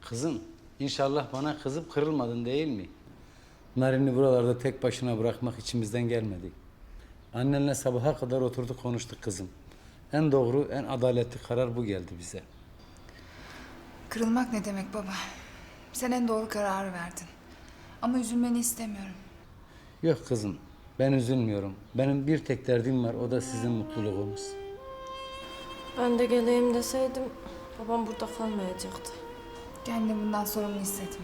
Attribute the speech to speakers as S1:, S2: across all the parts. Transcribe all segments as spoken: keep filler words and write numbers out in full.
S1: Kızım, inşallah bana kızıp kırılmadın değil mi? Narin'i buralarda tek başına bırakmak içimizden gelmedi. Annenle sabaha kadar oturduk konuştuk kızım. En doğru, en adaletli karar bu geldi bize.
S2: Kırılmak ne demek baba? Sen en doğru kararı verdin. Ama üzülmeni istemiyorum.
S1: Yok kızım, ben üzülmüyorum. Benim bir tek derdim var, o da sizin mutluluğunuz.
S3: Ben de geleyim deseydim babam burada kalmayacaktı.
S2: Kendini bundan sorumlu hissetme.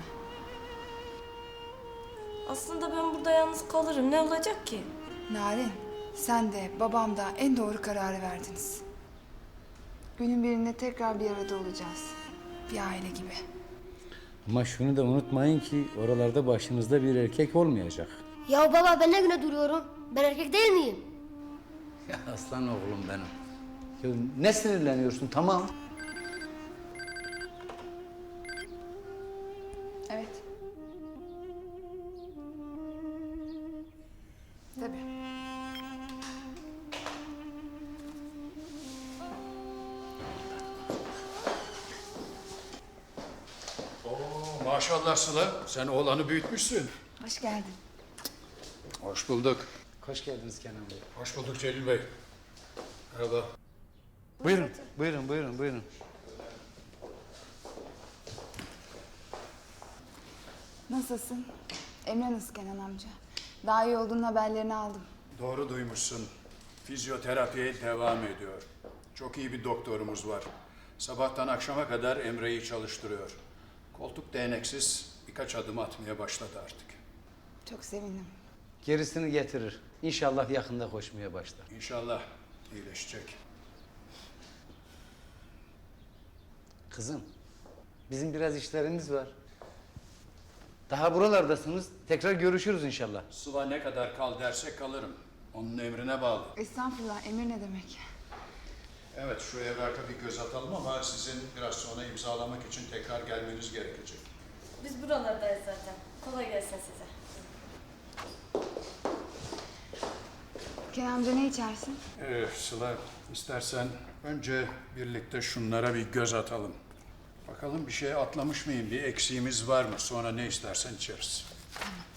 S3: Aslında ben burada yalnız kalırım. Ne olacak ki?
S2: Narin, sen de babam da en doğru kararı verdiniz. Günün birinde tekrar bir arada olacağız. Bir aile gibi.
S1: Ama şunu da unutmayın ki oralarda başınızda bir erkek olmayacak.
S4: Ya baba ben ne güne duruyorum? Ben erkek değil miyim?
S1: Ya aslan oğlum benim. Ya ne sinirleniyorsun, tamam.
S2: Evet. Tabii.
S5: Oo, maşallah Sıla, sen oğlanı büyütmüşsün.
S2: Hoş geldin.
S5: Hoş bulduk.
S1: Hoş geldiniz Kenan Bey.
S5: Hoş bulduk Celil Bey. Merhaba.
S1: Buyurun, buyurun, buyurun, buyurun.
S2: Nasılsın? Emre nasıl Kenan amca? Daha iyi olduğunun haberlerini aldım.
S5: Doğru duymuşsun. Fizyoterapiye devam ediyor. Çok iyi bir doktorumuz var. Sabahtan akşama kadar Emre'yi çalıştırıyor. Koltuk değneksiz birkaç adım atmaya başladı artık.
S2: Çok sevindim.
S1: Gerisini getirir. İnşallah yakında koşmaya başlar.
S5: İnşallah iyileşecek.
S1: Kızım, bizim biraz işlerimiz var. Daha buralardasınız. Tekrar görüşürüz inşallah.
S5: Sıla ne kadar kal derse kalırım. Onun emrine bağlı.
S2: Estağfurullah, emir ne demek?
S5: Evet, şu evraka bir göz atalım ama sizin biraz sonra imzalamak için tekrar gelmeniz gerekecek.
S3: Biz buralardayız zaten. Kolay gelsin size.
S2: Kenan amca ne içersin?
S5: Ee, Sıla, istersen önce birlikte şunlara bir göz atalım. Bakalım bir şey atlamış mıyım, bir eksiğimiz var mı? Sonra ne istersen içeriz.
S2: Tamam.